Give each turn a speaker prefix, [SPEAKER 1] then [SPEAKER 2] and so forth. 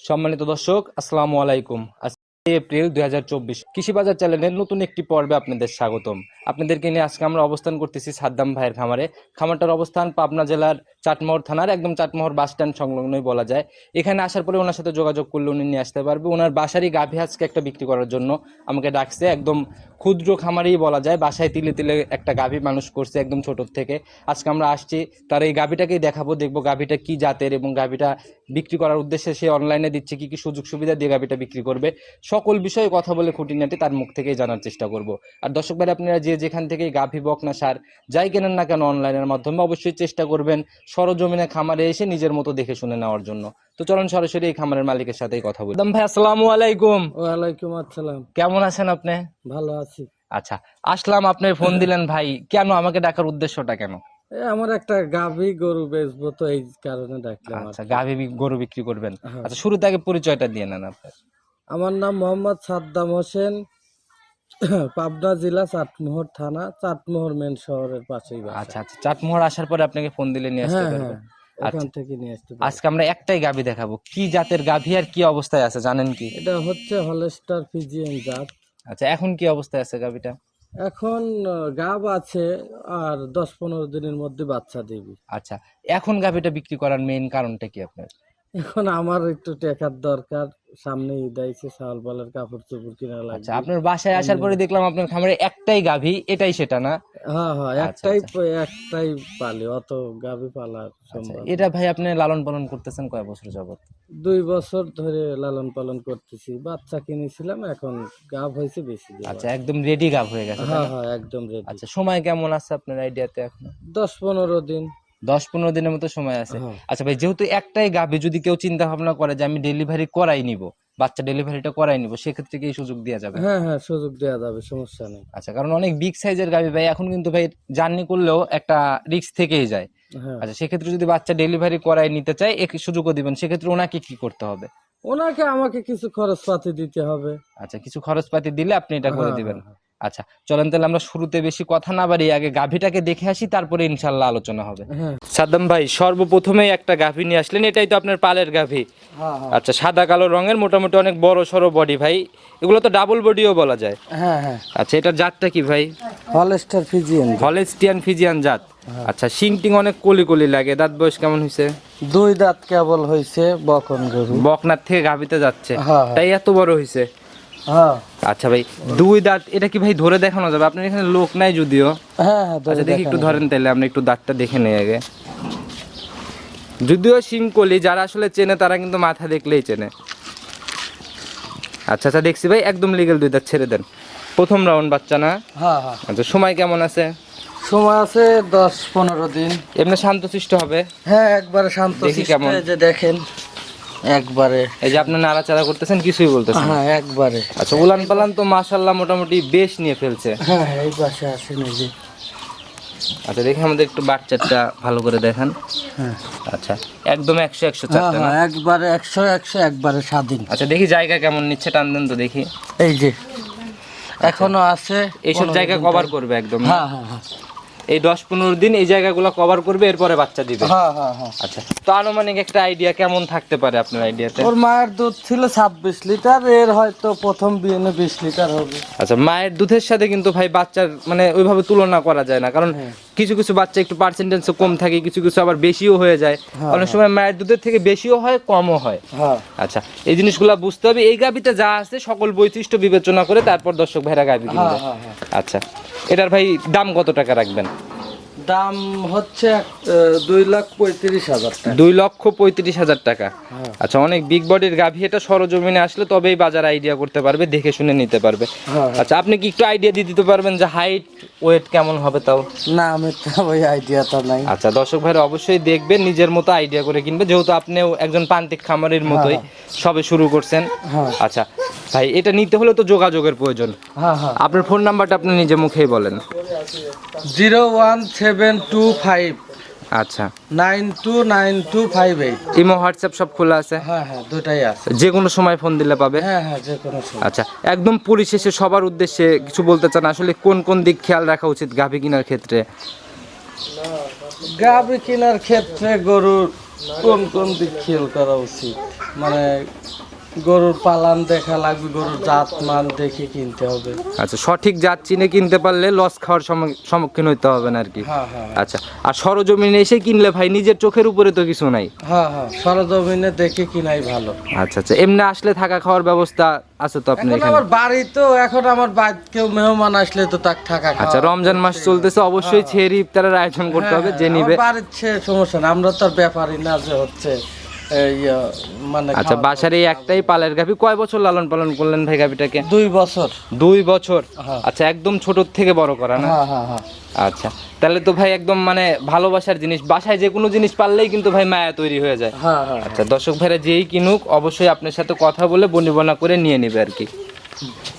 [SPEAKER 1] সম্মানিত দর্শক, আসসালামু আলাইকুম। এপ্রিল 2024 কৃষি বাজার চ্যানেলের নতুন একটি পর্বে আপনাদের স্বাগতম। আপনাদেরকে নিয়ে আজকে আমরা অবস্থান করতেছি সাদ্দাম ভাইয়ের খামারে। খামারটার অবস্থান পাবনা জেলার চাটমোহর থানার একদম চাটমোহর বাস স্ট্যান্ড সংলগ্নই বলা যায়। এখানে আসার পরে ওনার সাথে যোগাযোগ করলে উনি নিয়ে আসতে পারবে। ওনার বাসারই গাভী আজকে একটা বিক্রি করার জন্য আমাকে ডাকছে। একদম ক্ষুদ্র খামারেই বলা যায়, বাসায় তিলে তিলে একটা গাভী মানুষ করছে একদম ছোট থেকে। আজকে আমরা আসছি, তার এই গাভীটাকেই দেখাবো, দেখবো গাভীটা কি জাতের এবং গাভীটা বিক্রি করার উদ্দেশ্যে সে অনলাইনে দিচ্ছে কি কি সুযোগ সুবিধা দিয়ে গাভীটা বিক্রি করবে, সকল বিষয়ে কথা বলে খুঁটিনাটি তার মুখ থেকেই জানার চেষ্টা করব। আর দর্শক ভাই, আপনারা যে যেখান থেকে গাভী বকনা সার যাই কেনেন না কেন অনলাইনের মাধ্যমে, অবশ্যই চেষ্টা করবেন সরজমিনে খামারে এসে নিজের মতো দেখে শুনে নেওয়ার জন্য। তো চলুন সরাসরি এই খামারের মালিকের সাথেই কথা বলি। ভাই, আসসালামু আলাইকুম।
[SPEAKER 2] ওয়ালাইকুম আসসালাম।
[SPEAKER 1] কেমন আছেন আপনি?
[SPEAKER 2] ভালো আছি।
[SPEAKER 1] আচ্ছা, আসলাম, আপনি ফোন দিলেন ভাই, কেন আমাকে ডাকার উদ্দেশ্যটা কেন?
[SPEAKER 2] আমার একটা গাভী গরু বেচবো, তো এই কারণে ডাকলাম।
[SPEAKER 1] আচ্ছা, গাভী গরু বিক্রি করবেন।
[SPEAKER 2] হ্যাঁ।
[SPEAKER 1] আচ্ছা, শুরুতে আগে পরিচয়টা দিয়ে নেন আপনার।
[SPEAKER 2] আমার নাম মোহাম্মদ সাদ্দাম হোসেন, পাবনা জেলা চাটমোহর থানা, চাটমোহর মেন শহরের পাশেই বাসা।
[SPEAKER 1] আচ্ছা আচ্ছা, চাটমোহর আসার পরে আপনাকে ফোন দিলে নিয়ে আসতে
[SPEAKER 2] হ্যাঁ
[SPEAKER 1] পারবে।
[SPEAKER 2] হ্যাঁ, এখান থেকে নিয়ে আসতে পারবো।
[SPEAKER 1] আজকে আমরা একটাই গাভী দেখাবো। কি জাতের গাভী আর কি অবস্থায় আছে জানেন কি?
[SPEAKER 2] এটা হচ্ছে হলস্টার ফিজিয়ান জাত।
[SPEAKER 1] আচ্ছা, এখন কি অবস্থায় আছে গাভীটা?
[SPEAKER 2] এখন গাব আছে, আর 10-15 দিনের মধ্যে বাচ্চা দিবি।
[SPEAKER 1] আচ্ছা, এখন গাভীটা বিক্রি করার মেইন কারণটা কি আপনার?
[SPEAKER 2] এখন আমার একটু টাকার দরকার, সামনে ঈদ আইছে, চাল বালের কাপড় চোপড় কিনা
[SPEAKER 1] আচ্ছা,
[SPEAKER 2] লাগবে।
[SPEAKER 1] আপনার বাসায় আসার পরে দেখলাম আপনার খামারে একটাই গাভী, এটাই সেটা না?
[SPEAKER 2] হ্যাঁ হ্যাঁ,
[SPEAKER 1] আচ্ছা,
[SPEAKER 2] একটাই পালি, অত গাভী পালার
[SPEAKER 1] আচ্ছা,
[SPEAKER 2] সম্ভব।
[SPEAKER 1] এটা ভাই আপনি লালন পালন করতেছেন কয় বছর যাবত?
[SPEAKER 2] 2 বছর ধরে লালন পালন করতেছি। বাচ্চা কিনেছিলাম, এখন গাভ হয়েছে বেশি দিন।
[SPEAKER 1] আচ্ছা, একদম রেডি গাভ হয়ে গেছে, তাই
[SPEAKER 2] হ্যাঁ
[SPEAKER 1] না?
[SPEAKER 2] হ্যাঁ, একদম রেডি।
[SPEAKER 1] আচ্ছা, সময় কেমন আছে আপনার আইডিয়াতে এখন?
[SPEAKER 2] 10-15 দিন।
[SPEAKER 1] 10-15 দিনের মতো সময় আছে।
[SPEAKER 2] হ্যাঁ
[SPEAKER 1] আচ্ছা ভাই, যেহেতু একটাই গাভী, যদি কেউ চিন্তা ভাবনা করে যে আমি ডেলিভারি করাই নিব, বাচ্চা ডেলিভারিটা করাই নিব, সেক্ষেত্রে কি এই সুযোগ দেওয়া যাবে?
[SPEAKER 2] হ্যাঁ হ্যাঁ, সুযোগ দেওয়া যাবে, সমস্যা নেই।
[SPEAKER 1] আচ্ছা, কারণ অনেক বিগ সাইজের গাভী ভাই এখন কিন্তু ভাই জার্নি করলেও একটা রিস্ক থেকেই যায়।
[SPEAKER 2] হ্যাঁ,
[SPEAKER 1] আচ্ছা, সেক্ষেত্রে যদি বাচ্চা ডেলিভারি করাই নিতে চায়, এক সুযোগও দিবেন, সেক্ষেত্রে ওনাকে কি করতে হবে?
[SPEAKER 2] ওনাকে আমাকে কিছু খরচপাতি দিতে হবে।
[SPEAKER 1] আচ্ছা, কিছু খরচপাতি দিলে আপনি এটা করে
[SPEAKER 2] হ্যাঁ
[SPEAKER 1] দিবেন।
[SPEAKER 2] হ্যাঁ হ্যাঁ
[SPEAKER 1] আচ্ছা, চলেন তাহলে আমরা শুরুতে বেশি কথা না বাড়িয়ে আগে গাভীটাকে দেখে আসি, তারপরে ইনশাল্লাহ আলোচনা হবে।
[SPEAKER 2] হ্যাঁ
[SPEAKER 1] সাদ্দাম ভাই, সর্বপ্রথমেই একটা গাভী নিয়ে আসলেন, এটাই তো আপনার পালের গাভী?
[SPEAKER 2] হ্যাঁ হ্যাঁ
[SPEAKER 1] আচ্ছা, সাদা কালো রঙের, মোটামুটি অনেক বড় সড়ো বডি ভাই, এগুলো তো ডাবল বডিও বলা যায়।
[SPEAKER 2] হ্যাঁ হ্যাঁ,
[SPEAKER 1] আচ্ছা, এটার জাতটা কি ভাই?
[SPEAKER 2] Holstein Friesian.
[SPEAKER 1] হলস্টিয়ান ফিজিয়ান জাত। আচ্ছা, শিং টিং অনেক কলি কলি লাগে। দাঁত বয়স কেমন হয়েছে?
[SPEAKER 2] 2 দাঁত কেবল হয়েছে, বকন গরু।
[SPEAKER 1] বকনার থেকে গাভীতে যাচ্ছে,
[SPEAKER 2] হ্যাঁ
[SPEAKER 1] তাই এত বড় হয়েছে।
[SPEAKER 2] হ্যাঁ
[SPEAKER 1] আচ্ছা ভাই, 2 দাঁত, এটা কি ভাই ধরে দেখানো যাবে? আপনার এখানে লোক নাই যদিও।
[SPEAKER 2] হ্যাঁ হ্যাঁ,
[SPEAKER 1] আচ্ছা, দেখি একটু ধরেন তাহলে, আমরা একটু দাঁতটা দেখে নেই আগে। যদিও শিংকলি, যারা আসলে চেনে তারা কিন্তু মাথা দেখলেই চেনে। আচ্ছা আচ্ছা, দেখছি ভাই, একদম লিগেল 2 দাঁত, ছেড়ে দেন। প্রথম রাউন্ড বাচ্চা না?
[SPEAKER 2] হ্যাঁ হ্যাঁ,
[SPEAKER 1] আচ্ছা, সময় কেমন আছে?
[SPEAKER 2] সময় আছে 10-15 দিন।
[SPEAKER 1] এমনি শান্তশিষ্ট হবে?
[SPEAKER 2] হ্যাঁ, একবারে শান্ত।
[SPEAKER 1] দেখি কেমন।
[SPEAKER 2] এই যে দেখেন, একবারে।
[SPEAKER 1] এই যে আপনি নাড়াচাড়া করতেছেন, কিছুই বলতেছেন না।
[SPEAKER 2] হ্যাঁ, একবারে।
[SPEAKER 1] আচ্ছা, উলান পালান তো মাশাআল্লাহ মোটামুটি বেশ নিয়ে ফেলছে।
[SPEAKER 2] হ্যাঁ হ্যাঁ, এই পাশে আসেন, এই যে।
[SPEAKER 1] আচ্ছা, দেখি আমাদের একটু বাচ্চাটা ভালো করে দেখান।
[SPEAKER 2] হ্যাঁ
[SPEAKER 1] আচ্ছা, একদম 100-100
[SPEAKER 2] হ্যাঁ
[SPEAKER 1] চারটা না?
[SPEAKER 2] হ্যাঁ, একবারে 100-100, একবারে স্বাধীন।
[SPEAKER 1] আচ্ছা, দেখি জায়গা কেমন নিচ্ছে, টান দেন তো দেখি।
[SPEAKER 2] এই যে এখনো আছে,
[SPEAKER 1] এইসব জায়গা কভার করবে একদম না?
[SPEAKER 2] হ্যাঁ হ্যাঁ হ্যাঁ
[SPEAKER 1] এই 10-15 দিন এই জায়গাগুলো কভার করবে, এরপরে বাচ্চা দিবে।
[SPEAKER 2] হ্যাঁ হ্যাঁ হ্যাঁ।
[SPEAKER 1] আচ্ছা, তো আনুমানিক একটা আইডিয়া কেমন থাকতে পারে আপনার আইডিয়াতে?
[SPEAKER 2] ওর মায়ের দুধ ছিল 26 লিটার, এর হয়তো প্রথম বিয়েনে 20 লিটার হবে।
[SPEAKER 1] আচ্ছা, মায়ের দুধের সাথে কিন্তু ভাই বাচ্চার মানে ওইভাবে তুলনা করা যায় না, কারণ কিছু কিছু বাচ্চা একটু পার্সেন্টেজ কম থাকে, কিছু কিছু আবার বেশিও হয়ে যায়। অনেক সময় মায়ের দুধের থেকে বেশিও হয়, কমও হয়।
[SPEAKER 2] হ্যাঁ
[SPEAKER 1] আচ্ছা, এই জিনিসগুলো বুঝতে হবে। এই গাভিতে যা আছে সকল বৈশিষ্ট্য বিবেচনা করে তারপর দর্শক ভাইরা গাভি কিনবে।
[SPEAKER 2] হ্যাঁ হ্যাঁ।
[SPEAKER 1] আচ্ছা, এটার ভাই দাম কত টাকা রাখবেন?
[SPEAKER 2] দাম হচ্ছে 2,35,000 টাকা।
[SPEAKER 1] 2,35,000 টাকা।
[SPEAKER 2] হ্যাঁ।
[SPEAKER 1] আচ্ছা, অনেক বিগ বডির গাভী, এটা সরজমিনে আসলে তবেই বাজার আইডিয়া করতে পারবে, দেখে শুনে নিতে পারবে।
[SPEAKER 2] হ্যাঁ।
[SPEAKER 1] আচ্ছা, আপনি কি একটু আইডিয়া দিয়ে দিতে পারবেন যে হাইট ওয়েট কেমন হবে তাও?
[SPEAKER 2] না, আমি তো ওই আইডিয়াটা নাই।
[SPEAKER 1] আচ্ছা, দর্শক ভাইরা অবশ্যই দেখবেন, নিজের মতো আইডিয়া করে কিনবে, যেহেতু আপনিও একজন প্রান্তিক খামারের মতোই সবে শুরু করছেন।
[SPEAKER 2] হ্যাঁ
[SPEAKER 1] আচ্ছা ভাই, এটা নিতে হলে তো যোগাযোগের প্রয়োজন।
[SPEAKER 2] হ্যাঁ হ্যাঁ,
[SPEAKER 1] আপনার ফোন নাম্বারটা আপনি নিজে মুখেই বলেন।
[SPEAKER 2] 01725
[SPEAKER 1] আচ্ছা,
[SPEAKER 2] 929258।
[SPEAKER 1] ইমো হোয়াটসঅ্যাপ সব খোলা আছে?
[SPEAKER 2] হ্যাঁ হ্যাঁ, দুটাই আছে।
[SPEAKER 1] যে কোনো সময় ফোন দিলে পাবে?
[SPEAKER 2] হ্যাঁ হ্যাঁ, যে কোনো সময়।
[SPEAKER 1] আচ্ছা, একদম পরিশেষে সবার উদ্দেশ্যে কিছু বলতে চান, আসলে কোন কোন দিক খেয়াল রাখা উচিত গাভী কেনার ক্ষেত্রে?
[SPEAKER 2] গাভী কেনার ক্ষেত্রে গরুর কোন কোন দিক খেয়াল করা উচিত, মানে গরুর পালান দেখা লাগবে, গরুর জাত মান দেখে কিনতে হবে।
[SPEAKER 1] আচ্ছা, সঠিক জাত চিনে কিনতে পারলে লস খাওয়ার সম্মুখীন হইতে হবে না আর কি।
[SPEAKER 2] হ্যাঁ হ্যাঁ
[SPEAKER 1] আচ্ছা, আর সরজমিনে এসে কিনলে ভাই নিজের চোখের উপরে তো কিছু নাই।
[SPEAKER 2] হ্যাঁ হ্যাঁ, সরজমিনে দেখে কিনাই ভালো।
[SPEAKER 1] আচ্ছা আচ্ছা, এমনি আসলে থাকা খাওয়ার ব্যবস্থা আছে তো আপনার
[SPEAKER 2] এখন
[SPEAKER 1] এখানে?
[SPEAKER 2] আমার বাড়ি তো, এখন আমার বাড়ি কেউ মেহমান আসলে তো তাক থাকা খাওয়া।
[SPEAKER 1] আচ্ছা, রমজান মাস চলতেছে, অবশ্যই ছেড়ে ইফতারের আয়োজন করতে হবে, যে নিবে।
[SPEAKER 2] বাড়ির সমস্যা না, আমরা তো আর ব্যাপারই না যে হচ্ছে এই মানে।
[SPEAKER 1] আচ্ছা, বাসার এই একটাই পালের গাভী, কয় বছর লালন পালন করলেন ভাই গাভীটাকে?
[SPEAKER 2] 2 বছর।
[SPEAKER 1] 2 বছর।
[SPEAKER 2] হ্যাঁ।
[SPEAKER 1] আচ্ছা, একদম ছোট থেকে বড় করা না?
[SPEAKER 2] হ্যাঁ হ্যাঁ হ্যাঁ।
[SPEAKER 1] আচ্ছা, তাহলে তো ভাই একদম মানে ভালোবাসার জিনিস, বাসায় যে কোনো জিনিস পারলেই কিন্তু ভাই মায়া তৈরি হয়ে যায়।
[SPEAKER 2] হ্যাঁ হ্যাঁ।
[SPEAKER 1] আচ্ছা, দর্শক ভাইরা যেই কিনুক অবশ্যই আপনার সাথে কথা বলে বনিবনা করে নিয়ে নেবে আর কি।